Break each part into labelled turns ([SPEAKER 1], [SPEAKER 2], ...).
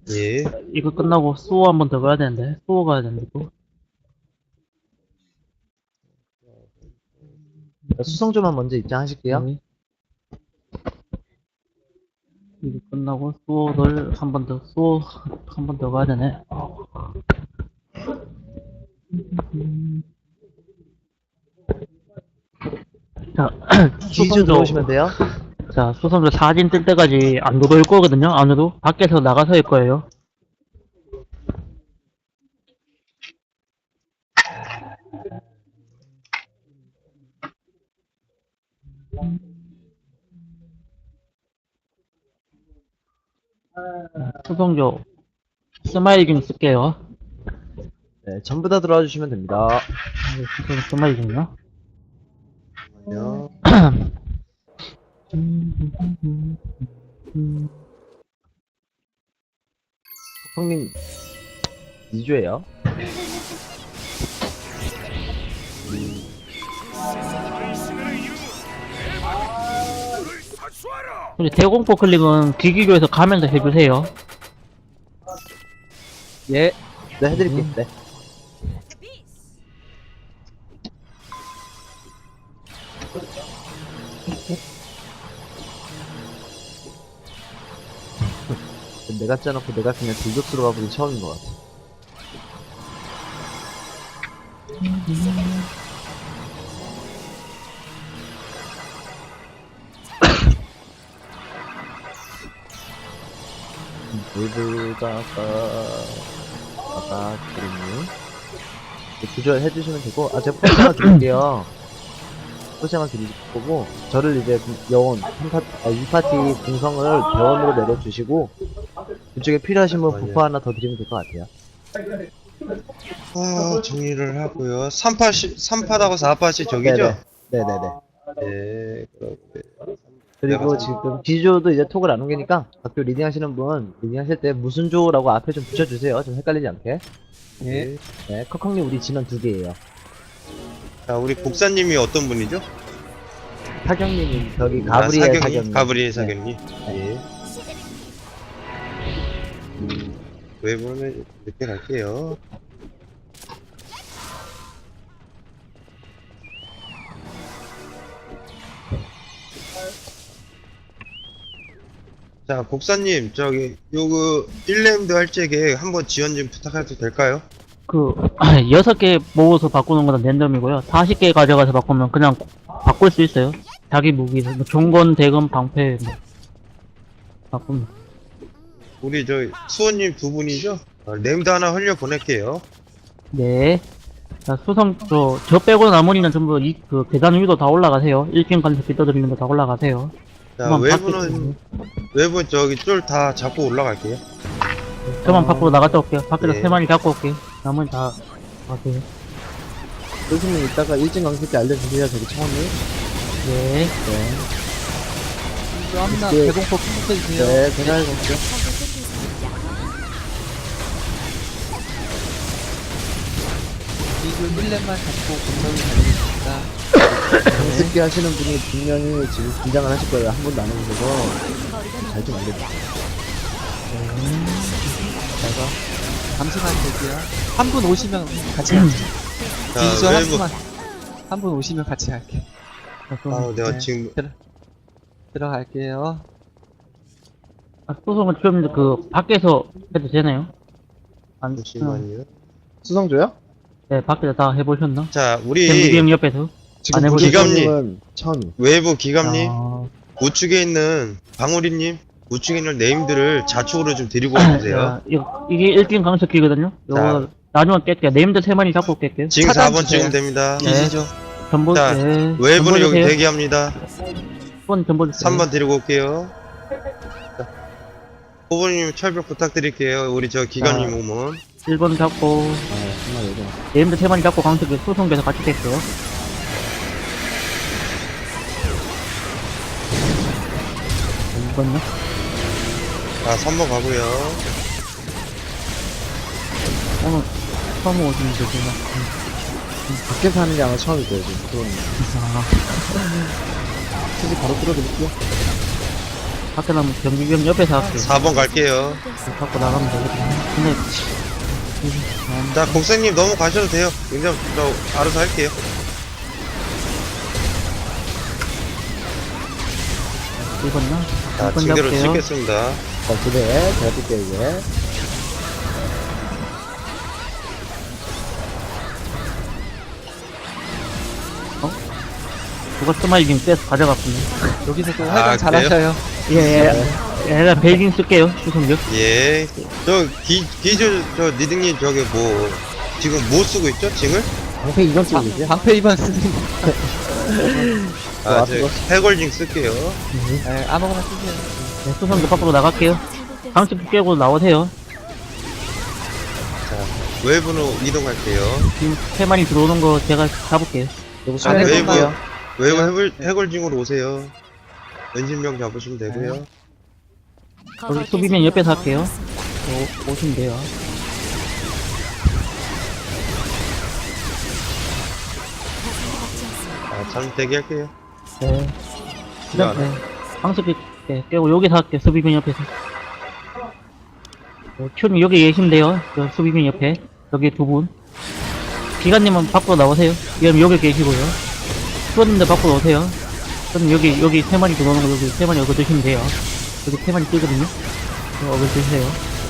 [SPEAKER 1] 예.
[SPEAKER 2] 이거 끝나고 수호 한 번 더 가야 되는데. 수호 가야 되는데, 또.
[SPEAKER 3] 수성조만 먼저 입장하실게요.
[SPEAKER 2] 네. 이거 끝나고 수호를 한 번 더, 수호 한 번 더 가야 되네. 자,
[SPEAKER 3] 기주 들어오시면 돼요.
[SPEAKER 2] 자, 수성조 사진 뜰 때까지 안 들어올 거거든요, 안으로. 밖에서 나가서일 거예요. 수성조 스마일링 쓸게요.
[SPEAKER 3] 네, 전부 다 들어와 주시면 됩니다.
[SPEAKER 2] 수성조 스마일링이요.
[SPEAKER 1] 안녕.
[SPEAKER 3] 형님 2주예요.
[SPEAKER 2] 우리 대공포 클릭은 기기교에서 가면서 해주세요.
[SPEAKER 3] 예. 네, 해드릴게요. 네. 내가 짜놓고 내가 그냥 들고 들어가 보기 처음인 것 같아. 아까 그림님 조절 해주시면 되고, 아, 제가 포장을 드릴게요. 포장을 드릴 거고, 저를 이제 여원 2파티 공성을 대원으로 내려주시고, 그쪽에 필요하신 분 부파 하나 더 드리면 될 것 같아요.
[SPEAKER 1] 정리를 하고요. 3파하고 4파시 저기죠?
[SPEAKER 3] 네네네.
[SPEAKER 1] 네, 그렇게.
[SPEAKER 3] 그리고 지금 기조도 이제 톡을 안 옮기니까 학교 리딩 하시는 분 리딩 하실 때 무슨 조라고 앞에 좀 붙여주세요. 좀 헷갈리지 않게.
[SPEAKER 1] 네.
[SPEAKER 3] 네, 컥컥님 우리 진원 2개예요.
[SPEAKER 1] 자, 우리 복사님이 어떤 분이죠?
[SPEAKER 3] 사경님이 저기 가브리엘 사경님.
[SPEAKER 1] 가브리엘
[SPEAKER 3] 네.
[SPEAKER 1] 사경님. 예. 외부는 늦게 갈게요. 자, 복사님, 저기, 요거, 1렘드 할 적에 한번 지원 좀 부탁해도 될까요?
[SPEAKER 2] 그, 6개 모아서 바꾸는 건 랜덤이고요. 40개 가져가서 바꾸면 그냥 바꿀 수 있어요. 자기 무기, 뭐, 종건, 대금, 방패, 뭐. 바꾸면.
[SPEAKER 1] 우리 수호님 두 분이죠? 렘드 하나 흘려 보낼게요.
[SPEAKER 2] 네. 자, 수성, 저 빼고 나머지는 전부 그 계단 위로 다 올라가세요. 1층 가서 빗어드리는 거 다 올라가세요.
[SPEAKER 1] 자,
[SPEAKER 2] 그만
[SPEAKER 1] 외부는 저기 쫄 다 잡고 올라갈게요.
[SPEAKER 2] 저만 밖으로 나갔다 올게요. 밖에서
[SPEAKER 1] 네.
[SPEAKER 2] 3마리 잡고 올게요. 나머지 다 가세요.
[SPEAKER 3] 교수님 이따가 일진 강습 때 알려주세요. 저기 처음에.
[SPEAKER 2] 네.
[SPEAKER 3] 네.
[SPEAKER 4] 합니다.
[SPEAKER 3] 네.
[SPEAKER 4] 대공포 풍부해주세요.
[SPEAKER 3] 네, 제가 해볼게요.
[SPEAKER 4] 이글 1렙만 잡고 공성이 달리겠습니다.
[SPEAKER 3] 강습기 하시는 분이 분명히 지금 긴장을 하실 거예요. 한 번도 안 해보셔서 잘 좀 알려주세요.
[SPEAKER 4] 잠시만 대기요. 한 분 오시면 같이 갈게요.
[SPEAKER 1] 자,
[SPEAKER 4] 기저 한
[SPEAKER 1] 외부.
[SPEAKER 4] 분만. 한 분 오시면 같이 갈게요.
[SPEAKER 1] 내가
[SPEAKER 4] 네.
[SPEAKER 1] 지금,
[SPEAKER 4] 들어갈게요.
[SPEAKER 2] 수성은 좀 그 밖에서 해도 되나요? 안,
[SPEAKER 1] 잠시만요.
[SPEAKER 3] 수성조요?
[SPEAKER 2] 네, 밖에서 다 해보셨나?
[SPEAKER 1] 자,
[SPEAKER 2] 잼미기
[SPEAKER 1] 우리
[SPEAKER 2] 형 옆에서.
[SPEAKER 3] 지금
[SPEAKER 2] 안 해보셨어요?
[SPEAKER 1] 기감님.
[SPEAKER 3] 처음이.
[SPEAKER 1] 외부 기감님,
[SPEAKER 2] 아,
[SPEAKER 1] 우측에 있는 방우리님, 우측에 있는 네임들을 좌측으로 좀 데리고 와주세요.
[SPEAKER 2] 자, 이게 1등 강석기거든요? 요거, 나중에 깰게요. 네임드 3마리 잡고 깰게요.
[SPEAKER 1] 지금
[SPEAKER 4] 차단
[SPEAKER 1] 4번
[SPEAKER 4] 주세요.
[SPEAKER 1] 찍으면 됩니다.
[SPEAKER 2] 네.
[SPEAKER 4] 기지죠.
[SPEAKER 2] 전보,
[SPEAKER 1] 자,
[SPEAKER 2] 네.
[SPEAKER 1] 외부는 여기
[SPEAKER 2] 주세요.
[SPEAKER 1] 대기합니다.
[SPEAKER 2] 1번 전보 주세요.
[SPEAKER 1] 3번 데리고 올게요. 호부님 철벽 부탁드릴게요. 우리 기감님 오면.
[SPEAKER 2] 1번 잡고,
[SPEAKER 3] 아, 정말 요즘.
[SPEAKER 2] 네임드 3마리 잡고 강석기 수송돼서 같이 깰게요. 2번요?
[SPEAKER 1] 자, 3번 가고요.
[SPEAKER 2] 오늘 처음 오시는 분이구나.
[SPEAKER 3] 밖에서 하는 게 아마 처음일 거예요, 지금. 그건.
[SPEAKER 2] 아,
[SPEAKER 3] 솔직히 바로 뚫어드릴게요.
[SPEAKER 2] 밖에 나면 경비병 옆에서 할게요.
[SPEAKER 1] 4번 갈게요.
[SPEAKER 2] 갖고 나가면 되거든요. 근데,
[SPEAKER 1] 자, 곡생님 너무 가셔도 돼요. 그냥 저 알아서 할게요.
[SPEAKER 2] 이번요?
[SPEAKER 1] 자,
[SPEAKER 2] 이번
[SPEAKER 1] 징대로
[SPEAKER 2] 잡게요.
[SPEAKER 1] 찍겠습니다.
[SPEAKER 3] 자, 그래. 잘 뛸게요, 이제.
[SPEAKER 2] 그거 스마일링 떼서 가져갔군요.
[SPEAKER 4] 여기서 또
[SPEAKER 1] 아,
[SPEAKER 4] 활강 잘하셔요.
[SPEAKER 2] 예, 예. 얘가 벨징 쓸게요, 수성력.
[SPEAKER 1] 예. 저 니등님 저기 뭐, 지금 뭐 쓰고 있죠? 징을?
[SPEAKER 3] 방패 이건 쓰고 계세요?
[SPEAKER 4] 방패 2번 쓰는
[SPEAKER 1] 아,
[SPEAKER 3] 좋아,
[SPEAKER 1] 저 해골징 쓸게요.
[SPEAKER 4] 네, 아무거나 쓰세요.
[SPEAKER 2] 네, 수성력 밖으로 나갈게요. 강습 깨고 나오세요.
[SPEAKER 1] 외부로 이동할게요.
[SPEAKER 2] 지금 3마리 들어오는 거 제가 잡을게요.
[SPEAKER 3] 요거
[SPEAKER 4] 안
[SPEAKER 3] 수행
[SPEAKER 1] 웨이브.
[SPEAKER 3] 해볼게요.
[SPEAKER 1] 외부 해골징으로 오세요. 연신병 잡으시면 되고요.
[SPEAKER 2] 여기 수비면 옆에서 할게요. 오시면 돼요.
[SPEAKER 1] 잠시 대기할게요.
[SPEAKER 2] 네. 그 다음, 네. 강습 깨고 여기서 할게요, 수비면 옆에서. 큐님 여기 계시면 돼요. 저 수비면 옆에. 여기 두 분. 기관님은 밖으로 나오세요. 그럼 여기 계시고요. 수원님도 밖으로 오세요. 그럼 여기 3마리 들어오는 거 여기 3마리 어거 드시면 돼요. 여기 3마리 뜨거든요. 어거 드세요.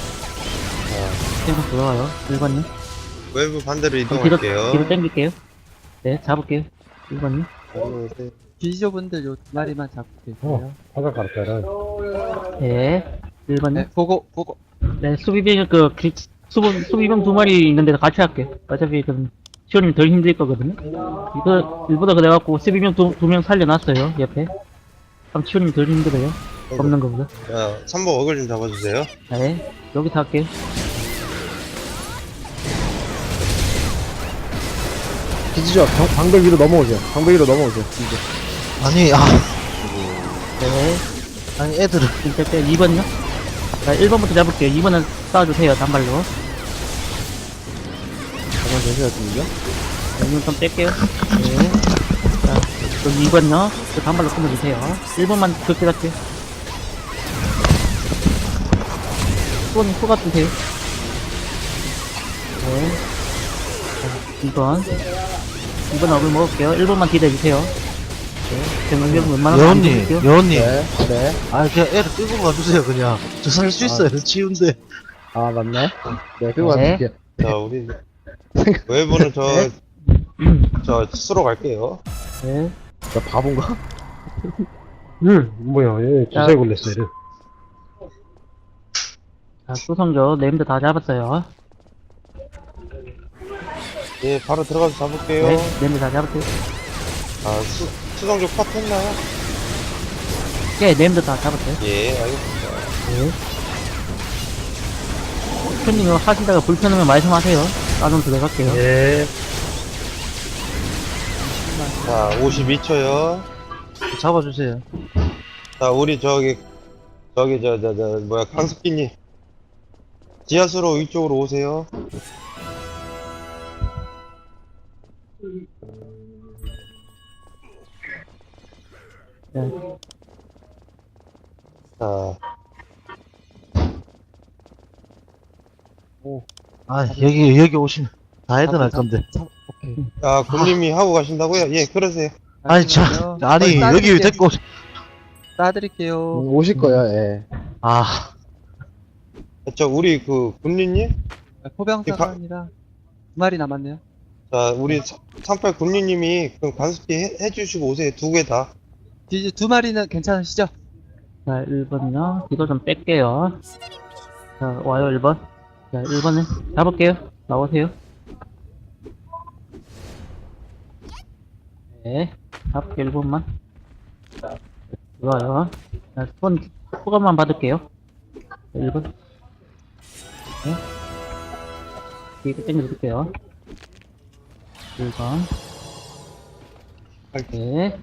[SPEAKER 2] 3마리 들어와요. 1번님.
[SPEAKER 1] 외부 반대로
[SPEAKER 2] 그럼 뒤로
[SPEAKER 1] 이동할게요.
[SPEAKER 2] 당길게요. 네, 잡을게요. 1번님.
[SPEAKER 4] 기지조분들 요 두 마리만 잡고 계세요.
[SPEAKER 3] 화가 갈까요?
[SPEAKER 2] 네. 1번님.
[SPEAKER 4] 네, 보고.
[SPEAKER 2] 네, 수비병, 수비병 2마리 있는데 같이 할게요. 어차피, 시원님 덜 힘들 거거든요. 이거, 일보다 그래갖고, 수비병 두 명 살려놨어요, 옆에. 그럼 시원님 덜 힘들어요. 없는 거보다.
[SPEAKER 1] 자, 3번 어글 좀 잡아주세요.
[SPEAKER 2] 네, 여기서 할게요.
[SPEAKER 3] 기지죠. 방벽 위로 넘어오세요. 방벽 위로 넘어오세요. 이제.
[SPEAKER 5] 아니,
[SPEAKER 2] 네,
[SPEAKER 5] 아니, 애들을.
[SPEAKER 2] 진짜 때 2번요? 자, 1번부터 잡을게요. 2번은 쏴주세요, 단발로.
[SPEAKER 3] 잠깐 계세요, 지금요?
[SPEAKER 2] 여기는 좀 뺄게요. 네. 자, 여기 2번요. 그 단발로 끊어주세요. 1번만 그렇게 갈게요. 수건이 소 같으세요. 네. 자, 2번. 2번 얼굴 먹을게요. 1번만 기다려주세요. 네. 정강경 웬만하면 안
[SPEAKER 5] 여원님,
[SPEAKER 2] 드릴게요.
[SPEAKER 5] 여원님.
[SPEAKER 3] 네. 네.
[SPEAKER 5] 아, 그냥 애를 끌고 가주세요, 그냥. 저 살 수 있어요, 치운데.
[SPEAKER 3] 아, 맞네. 네, 그거
[SPEAKER 2] 네.
[SPEAKER 3] 같을게요.
[SPEAKER 1] 자, 우리 외부는 저 수로 갈게요.
[SPEAKER 2] 네.
[SPEAKER 3] 나 바본가?
[SPEAKER 6] 뭐야, 얘
[SPEAKER 2] 자.
[SPEAKER 6] 주사에 걸렸어, 얘를.
[SPEAKER 2] 자, 수성조, 네임드 다 잡았어요.
[SPEAKER 1] 예, 바로 들어가서 잡을게요.
[SPEAKER 2] 네, 네임드 다 잡았어요.
[SPEAKER 1] 아, 수성조 컷 했나요?
[SPEAKER 2] 네, 네임드 다 잡았어요.
[SPEAKER 1] 예, 알겠습니다.
[SPEAKER 2] 네. 님 이거 하시다가 불편하면 말씀하세요. 나좀 들어갈게요.
[SPEAKER 6] 예.
[SPEAKER 1] 자, 52초요.
[SPEAKER 5] 잡아주세요.
[SPEAKER 1] 자, 우리 뭐야, 강습기님. 지하수로 위쪽으로 오세요.
[SPEAKER 2] 네.
[SPEAKER 1] 자,
[SPEAKER 5] 아, 여기 오시면 다 애들 할 건데.
[SPEAKER 4] 오케이.
[SPEAKER 1] 아, 군님이 하고 가신다고요? 예, 그러세요.
[SPEAKER 5] 아니,
[SPEAKER 4] 잠시만요.
[SPEAKER 5] 아니, 여기 왜 데리고 오시,
[SPEAKER 4] 따드릴게요.
[SPEAKER 3] 오실 거야, 예.
[SPEAKER 5] 아,
[SPEAKER 1] 우리 군리님?
[SPEAKER 4] 포병사관이라 두 마리 남았네요.
[SPEAKER 1] 자, 우리 38 군리님이 그럼 관습기 해주시고 오세요. 두 개 다.
[SPEAKER 4] 기지 두 마리는 괜찮으시죠?
[SPEAKER 2] 자, 1번요. 이거 좀 뺄게요. 자, 와요, 1번. 자, 1번에 잡을게요. 나오세요. 네. 잡을게요, 1번만. 좋아요. 자, 손, 소감만 받을게요. 자, 1번. 네. 이거 땡겨드릴게요. 1번. 네.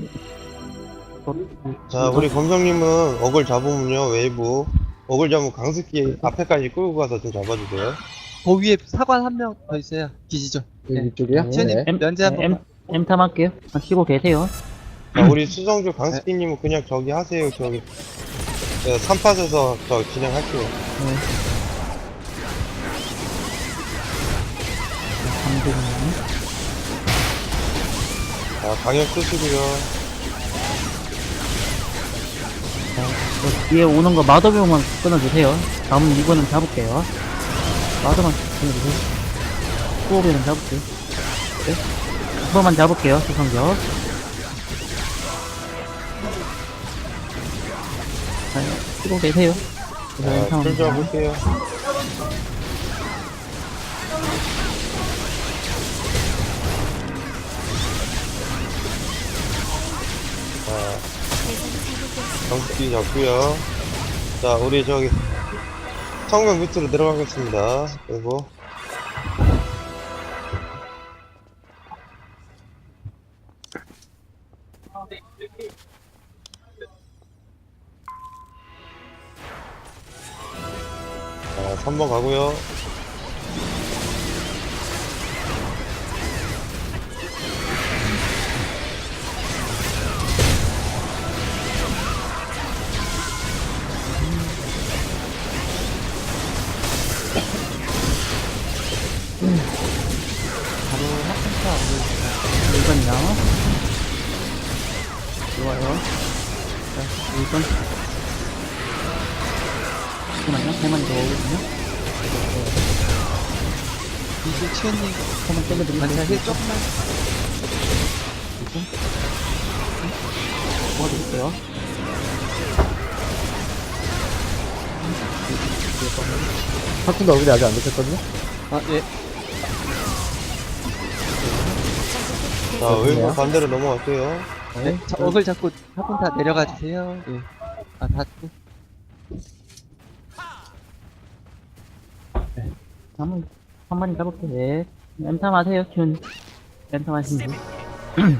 [SPEAKER 1] 자, 우리 검정님은 어글 잡으면요, 웨이브. 어글 잡으면 강습기 앞에까지 끌고 가서 좀 잡아주세요.
[SPEAKER 4] 그 위에 사관 한 명 더 있어요. 기지죠.
[SPEAKER 3] 여기 이쪽이요?
[SPEAKER 2] 네.
[SPEAKER 4] 시원님
[SPEAKER 3] 네.
[SPEAKER 4] 면제 한 번만.
[SPEAKER 2] M탐 할게요. 쉬고 계세요.
[SPEAKER 1] 자, 우리 수성조 강습기님은 그냥 저기 하세요, 저기. 네, 3팟에서 저 진행할게요.
[SPEAKER 2] 네. 강대님.
[SPEAKER 1] 자, 강력 쓰시고요.
[SPEAKER 2] 뒤에 오는 거 마더병만 끊어주세요. 다음 이거는 잡을게요. 마더만 끊어주세요. 수호비는 잡을게요. 네. 그거만 잡을게요. 수성격. 자, 쓰고 계세요.
[SPEAKER 1] 자, 줄 잡을게요. 자, 정수기 잡고요. 자, 우리 저기 성벽 밑으로 내려가겠습니다. 그리고 자, 3번 가고요.
[SPEAKER 4] 바로 학생사 올려주세요.
[SPEAKER 2] 1번이요. 좋아요. 자, 1번. 잠깐만요. 3마리 더 오거든요.
[SPEAKER 4] 이제 치현님
[SPEAKER 2] 한번 때려드리면
[SPEAKER 4] 관찰 힐 조금만.
[SPEAKER 2] 도와드릴게요.
[SPEAKER 3] 파쿤도 얼굴이 아직 안 됐거든요?
[SPEAKER 4] 아, 예.
[SPEAKER 1] 자, 웨이브 반대로 넘어갈게요.
[SPEAKER 4] 네. 자, 억을 잡고 화분 다 내려가 주세요. 예. 아, 다.
[SPEAKER 2] 한 마리 잡을게요. 네. 엠탐 하세요, 큐는. 엠탐 하시면 돼요.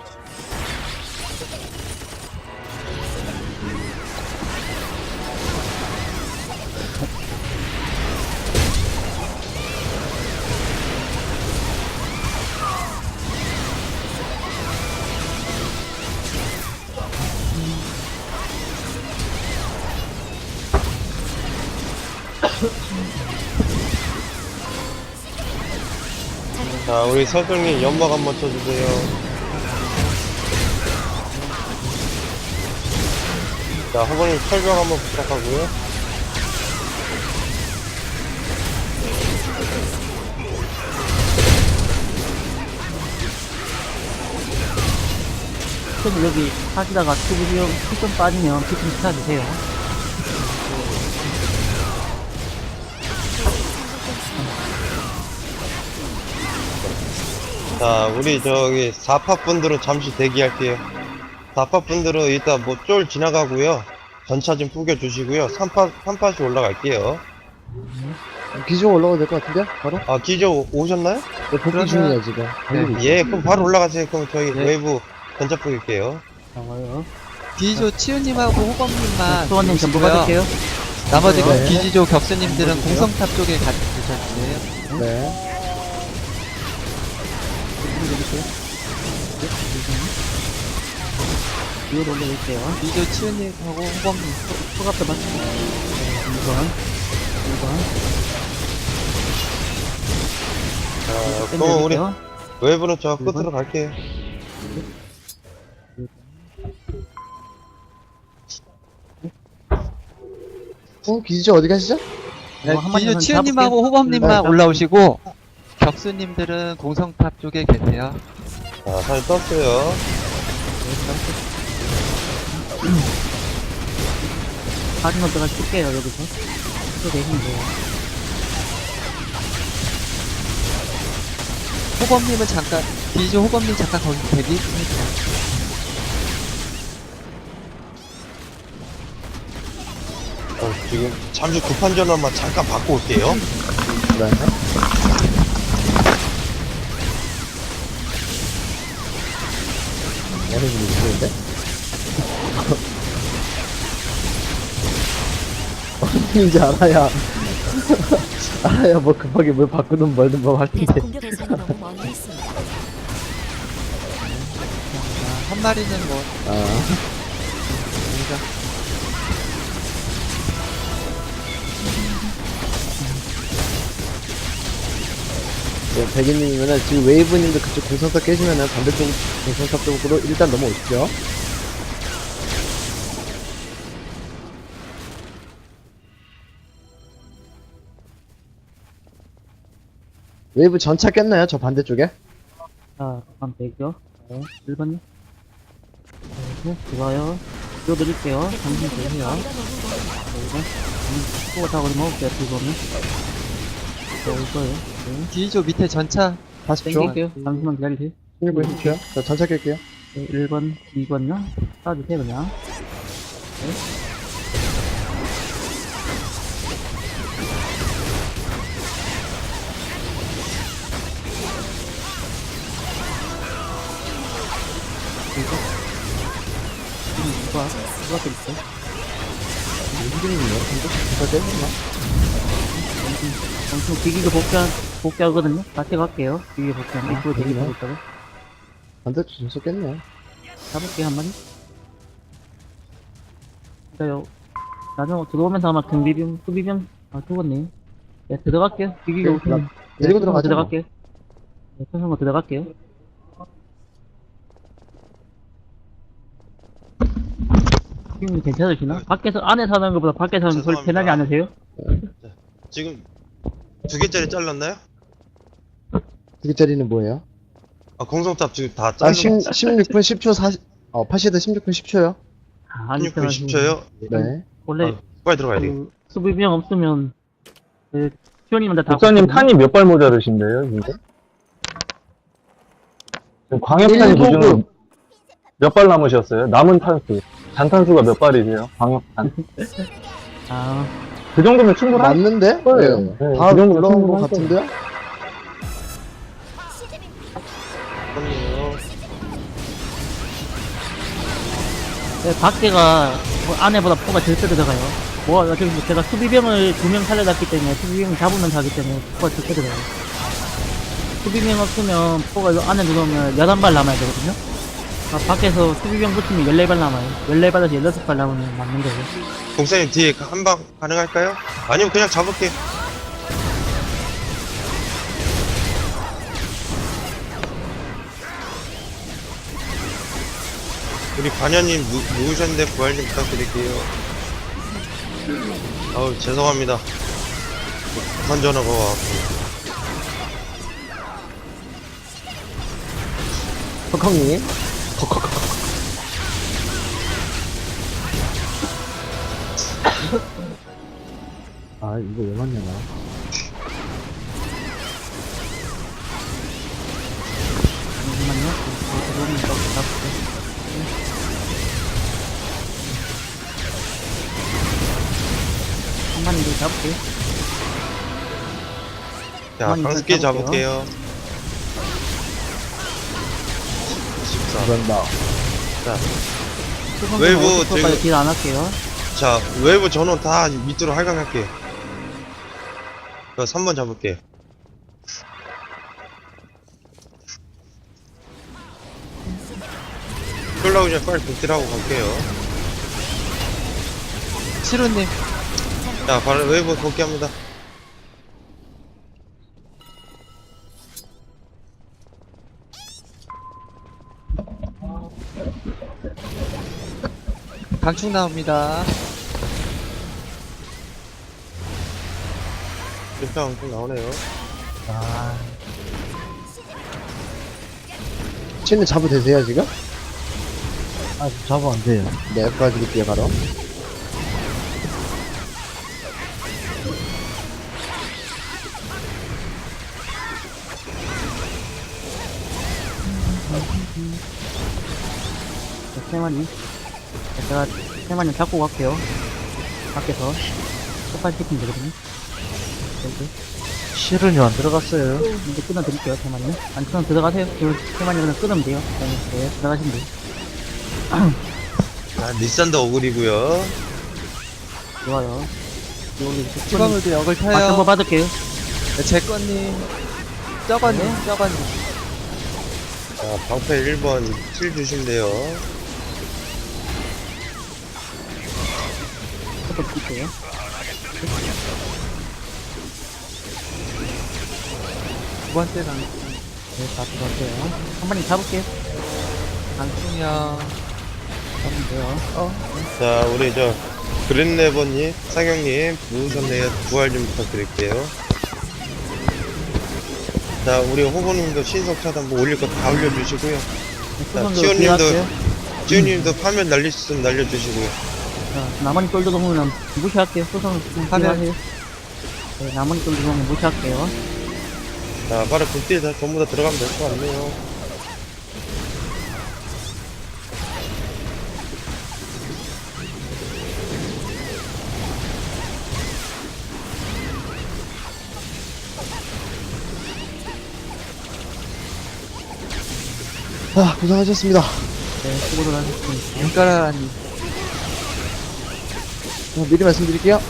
[SPEAKER 1] 자, 우리 서정님 연막 한번 쳐주세요. 자, 허버님 철벽 한번 부탁하고요.
[SPEAKER 2] 좀 여기 하시다가 투비디오 피좀 빠지면 피좀 찾아주세요.
[SPEAKER 1] 자, 우리 저기 4파 분들은 잠시 대기할게요. 4파 분들은 일단 뭐 쫄 지나가고요. 전차 좀 뿌겨주시고요. 3팟이 올라갈게요.
[SPEAKER 3] 기종 올라가도 될 것 같은데요? 바로?
[SPEAKER 1] 아, 기저 오셨나요?
[SPEAKER 3] 네, 복귀 중이에요, 지금.
[SPEAKER 1] 예, 그럼 바로 올라가세요. 그럼 저희
[SPEAKER 2] 네.
[SPEAKER 1] 웨이브 전차 뿌릴게요.
[SPEAKER 2] 좋아요.
[SPEAKER 4] 디조 치유님하고 호범님만
[SPEAKER 2] 수원님 전부
[SPEAKER 4] 오시고요.
[SPEAKER 2] 받을게요.
[SPEAKER 4] 나머지
[SPEAKER 3] 네.
[SPEAKER 4] 기지조 격수님들은 공성탑 쪽에 같이 주셔주세요.
[SPEAKER 3] 네.
[SPEAKER 2] 위로 올려볼게요.
[SPEAKER 4] 디조 치유님하고 호범님.
[SPEAKER 2] 소갑도 맞추고. 2번. 2번.
[SPEAKER 1] 자, 그럼 우리
[SPEAKER 2] 땡겨줄게요.
[SPEAKER 1] 웨이브는 저 끝으로 갈게요.
[SPEAKER 3] 기지조 어디 가시죠?
[SPEAKER 4] 네,
[SPEAKER 2] 한 마리
[SPEAKER 4] 디조
[SPEAKER 2] 전
[SPEAKER 4] 치유님하고
[SPEAKER 2] 잡을게요.
[SPEAKER 4] 호범님만
[SPEAKER 2] 네,
[SPEAKER 4] 올라오시고 격수님들은 공성탑 쪽에 계세요.
[SPEAKER 1] 자, 사진 떴어요.
[SPEAKER 2] 사진 어디가 쓸게요, 여기서. 또 계시면 돼요.
[SPEAKER 4] 호범님은 잠깐 디조 호범님 잠깐 거기 대기.
[SPEAKER 1] 지금 잠시 급한 전화만 잠깐 받고 올게요.
[SPEAKER 3] 네. 어느 분이 누구인데? 어느 분인지 알아야. 알아야 뭐 급하게 뭘 바꾸든 말든 뭐 할 텐데.
[SPEAKER 6] 공격 대상이 너무 멀리 있습니다.
[SPEAKER 4] 한 마리는 뭐
[SPEAKER 3] 아. 네, 백인님이면은 지금 웨이브님도 그쪽 공성탑 깨시면은 반대쪽 공성탑 쪽으로 일단 넘어오십시오. 웨이브 전차 깼나요? 저 반대쪽에?
[SPEAKER 2] 자, 잠깐 대기요. 네, 1번요. 네, 좋아요. 띄워드릴게요. 잠시 계세요. 네, 1번. 수고가 다 그리 먹을게요, 2번은. 자, 올 거예요. 네.
[SPEAKER 4] 뒤쪽 밑에 전차
[SPEAKER 3] 40초.
[SPEAKER 2] 땡길게요. 잠시만 기다리세요.
[SPEAKER 3] 1분 10초요. 자, 전차 깰게요.
[SPEAKER 2] 네, 1번, 2번요. 쏴주세요, 그냥. 그리고, 누가 드릴게요.
[SPEAKER 3] 힘들이네요. 전차 깼나?
[SPEAKER 2] 엄청 비기가 복귀하거든요? 같이 갈게요. 비기가 복귀하면. 이쪽으로 대기하고 있다고.
[SPEAKER 3] 반대쪽 전차 깼네.
[SPEAKER 2] 잡을게요, 한 마리. 그니까요. 나중에 들어오면서 아마 수비병, 죽었네. 네, 들어갈게요. 비기가
[SPEAKER 3] 네,
[SPEAKER 2] 오시면.
[SPEAKER 3] 데리고 들어가죠,
[SPEAKER 2] 들어갈게요. 네, 천성거 들어갈게요. 지금 괜찮으시나? 밖에서, 안에서 하는 것보다 밖에서 하는 거 소리
[SPEAKER 1] 죄송합니다.
[SPEAKER 2] 편하게 안 하세요?
[SPEAKER 1] 지금 2개짜리 잘랐나요?
[SPEAKER 3] 2개짜리는 뭐예요?
[SPEAKER 1] 아, 공성탑 지금 다
[SPEAKER 3] 아,
[SPEAKER 1] 잘랐
[SPEAKER 3] 16분 10초 40, 파시드 16분 10초요?
[SPEAKER 2] 아, 안
[SPEAKER 1] 16분 10초요?
[SPEAKER 3] 네.
[SPEAKER 2] 원래,
[SPEAKER 1] 아, 빨리 들어가야 돼.
[SPEAKER 2] 그, 수비병 없으면, 그, 수현님한테 다.
[SPEAKER 6] 목사님
[SPEAKER 2] 붙거든요?
[SPEAKER 6] 탄이 몇 발 모자르신데요, 지금? 지금 광역탄
[SPEAKER 3] 일곱
[SPEAKER 6] 기준으로 몇 발 남으셨어요? 남은 탄수. 잔탄수가 몇 발이세요? 광역탄.
[SPEAKER 2] 아,
[SPEAKER 6] 그 정도면 충분한
[SPEAKER 3] 맞는데?
[SPEAKER 6] 거예요.
[SPEAKER 3] 네.
[SPEAKER 6] 네,
[SPEAKER 3] 다
[SPEAKER 6] 그 정도면
[SPEAKER 3] 올라온 것
[SPEAKER 6] 충분한
[SPEAKER 3] 같은데요?
[SPEAKER 1] 그럼요.
[SPEAKER 2] 네, 밖에가 뭐 안에보다 포가 절대 들어가요. 뭐 지금 제가 수비병을 2명 살려놨기 때문에 수비병 잡으면 가기 때문에 포가 절대 들어가요. 수비병 없으면 포가 요 안에 들어오면 11발 남아야 되거든요. 아, 밖에서 수비병 붙으면 14발 남아요. 14발에서 16발 남으면 맞는 거예요.
[SPEAKER 1] 공사님 뒤에 한 방 가능할까요? 아니면 그냥 잡을게. 우리 반야님 누우셨는데 부활 좀 부탁드릴게요. 아우 죄송합니다. 부산 전화가 와갖고.
[SPEAKER 3] 헉헉님. 아, 이거 왜 맞냐, 나.
[SPEAKER 2] 잠시만요. 들어오면 또 잡을게요. 한 마리 더 잡을게요.
[SPEAKER 1] 자,
[SPEAKER 2] 가만히
[SPEAKER 1] 강습기
[SPEAKER 2] 있어,
[SPEAKER 1] 잡을게요. 14.
[SPEAKER 3] 그런다.
[SPEAKER 1] 웨이브
[SPEAKER 2] 까지
[SPEAKER 1] 지금-
[SPEAKER 2] 딜안 할게요.
[SPEAKER 1] 자, 외부 전원 다 밑으로 할강할게. 3번 잡을게. 끌라고 전에 빨리 복딜하고 갈게요.
[SPEAKER 4] 시로님
[SPEAKER 1] 자, 바로 외부 복귀합니다.
[SPEAKER 4] 강충 나옵니다.
[SPEAKER 1] 일단 좀 나오네요.
[SPEAKER 3] 치는 잡아도 되세요, 지금?
[SPEAKER 5] 아, 잡으면 안 돼요.
[SPEAKER 3] 네, 도와드릴게요, 바로.
[SPEAKER 2] 자, 3마리. 제가 3마리 잡고 갈게요. 밖에서. 똑같이 시키면 되거든요. 여기.
[SPEAKER 5] 실은요, 안 들어갔어요.
[SPEAKER 2] 이제 끊어드릴게요, 3마리. 안 끊어 들어가세요. 3마리 그냥 끊으면 돼요. 네, 들어가시면 돼요.
[SPEAKER 1] 자, 리산더 오글이고요.
[SPEAKER 2] 좋아요. 여기
[SPEAKER 4] 주방울도 역을
[SPEAKER 2] 맞정보
[SPEAKER 4] 타요.
[SPEAKER 2] 받을게요.
[SPEAKER 4] 네, 제꺼님, 쩌거님, 쩌거님.
[SPEAKER 1] 자, 방패 1번 킬 주시면 돼요.
[SPEAKER 2] 조금 드릴게요. 2번
[SPEAKER 4] 번째 강,
[SPEAKER 2] 네, 다 들어갈게요. 한 마리 잡을게요.
[SPEAKER 4] 강충형.
[SPEAKER 2] 잡으면 돼요.
[SPEAKER 1] 자, 우리 그린레버님, 상영님, 누우셨네요. 부활 좀 부탁드릴게요. 자, 우리 호보님도 신속 차단 뭐 올릴 거 다 올려주시고요. 자,
[SPEAKER 2] 수선도
[SPEAKER 1] 치호님도,
[SPEAKER 2] 들어갈게요.
[SPEAKER 1] 치호님도 파면 날릴 수 있으면 날려주시고요.
[SPEAKER 2] 자, 나머지 쫄도 넘으면 무시할게요. 수선
[SPEAKER 4] 하면.
[SPEAKER 2] 하세요. 네, 나머지 쫄도 넘으면 무시할게요.
[SPEAKER 1] 자, 바로 극딜 다 전부 다 들어가면 될 것 같네요.
[SPEAKER 3] 아, 고생하셨습니다.
[SPEAKER 2] 네, 수고들 하셨습니다.
[SPEAKER 4] 눈가라니.
[SPEAKER 3] 미리 말씀드릴게요.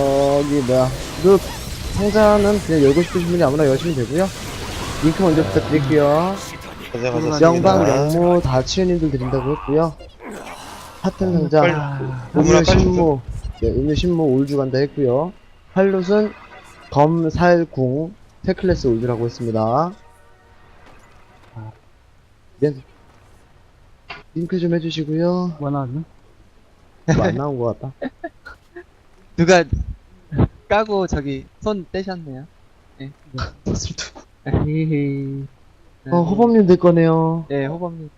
[SPEAKER 3] 그 상자는 그냥 열고 싶으신 분이 아무나 여시면 되고요. 링크 먼저 부탁드릴게요.
[SPEAKER 1] 고생하셨습니다.
[SPEAKER 3] 영방, 영모 다 치유님들 드린다고 했고요. 파텐 상자,
[SPEAKER 1] 너무나
[SPEAKER 3] 음료
[SPEAKER 1] 빨리
[SPEAKER 3] 신모, 네, 음료 신모 올주 간다 했고요. 팔롯은 검, 살, 궁, 테클래스 올주라고 했습니다. 네. 링크 좀 해주시고요.
[SPEAKER 2] 뭐 나왔나?
[SPEAKER 3] 뭐 안 나온 것 같다.
[SPEAKER 4] 누가 까고 저기 손 떼셨네요.
[SPEAKER 2] 헤헤.
[SPEAKER 3] 호범님 될 거네요.
[SPEAKER 4] 네, 호범님.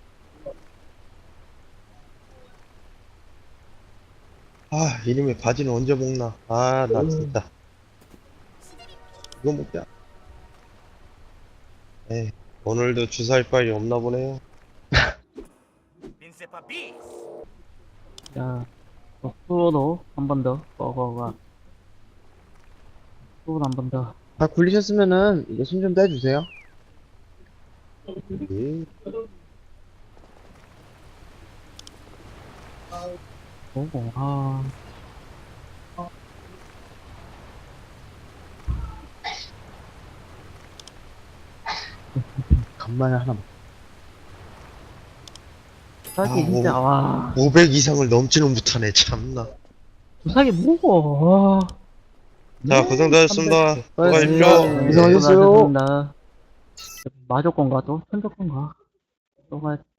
[SPEAKER 1] 아, 이놈의 바지는 언제 먹나. 아, 나 진짜. 이거 먹자. 에이, 오늘도 주사할 바이 없나 보네요.
[SPEAKER 2] 자, 수로도 한 번 더, 버거가. 수로도 한 번 더.
[SPEAKER 3] 다 굴리셨으면은 이거 손 좀 떼주세요.
[SPEAKER 1] 예.
[SPEAKER 2] 오고, 아.
[SPEAKER 3] 간만에 하나.
[SPEAKER 2] 주사기
[SPEAKER 1] 아,
[SPEAKER 2] 진짜, 와.
[SPEAKER 1] 500 이상을 넘지는 못하네, 참나.
[SPEAKER 2] 주사기 뭐고, 와.
[SPEAKER 1] 자, 고생하셨습니다. 수고하십시오.
[SPEAKER 3] 고생하셨어요.
[SPEAKER 2] 수고하셨습니다. 마조건가 또? 천조건가? 또 가야